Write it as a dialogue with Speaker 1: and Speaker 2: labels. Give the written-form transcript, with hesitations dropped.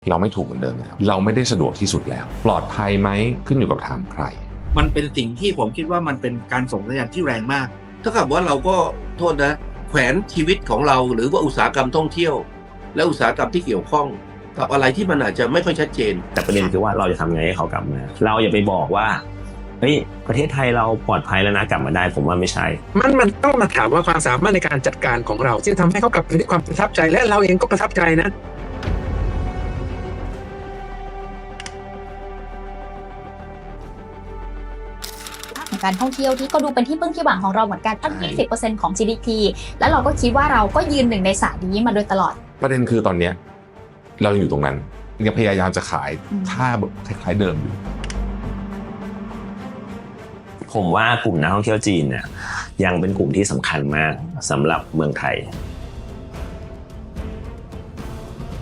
Speaker 1: เราไม่ถูกเหมือนเดิมแล้วเราไม่ได้สะดวกที่สุดแล้วปลอดภัยไหมขึ้นอยู่กับถามใคร
Speaker 2: มันเป็นสิ่งที่ผมคิดว่ามันเป็นการส่งสัญญาณที่แรงมากถ้ากับว่าเราก็โทษนะแขวนชีวิตของเราหรือว่าอุตสาหกรรมท่องเที่ยวและอุตสาหกรรมที่เกี่ยวข้องกับอะไรที่มันอาจจะไม่ค่อยชัดเจน
Speaker 3: แต่ประเด็นคือว่าเราจะทำไงให้เขากลับมาเราอย่าไปบอกว่าเฮ้ยประเทศไทยเราปลอดภัยแล้วนะกลับมาได้ผมว่าไม่ใช่
Speaker 4: มันต้องมาถามว่าความสามารถในการจัดการของเราที่ทำให้เขากลับมาด้วยความประทับใจและเราเองก็ประทับใจนะ
Speaker 5: การท่องเที่ยวที่ก็ดูเป็นที่พึ่งที่หวังของเราเหมือนกันตั้ง 20% ของ GDP แล้วเราก็คิดว่าเราก็ยืนหนึ่งในศาสตร์นี้มาโดยตลอด
Speaker 1: ประเด็นคือตอนนี้เราอยู่ตรงนั้นยังพยายามจะขายท่าคล้ายๆเดิมอยู่
Speaker 3: ผมว่ากลุ่มนักท่องเที่ยวจีนเนี่ยยังเป็นกลุ่มที่สำคัญมากสำหรับเมืองไทย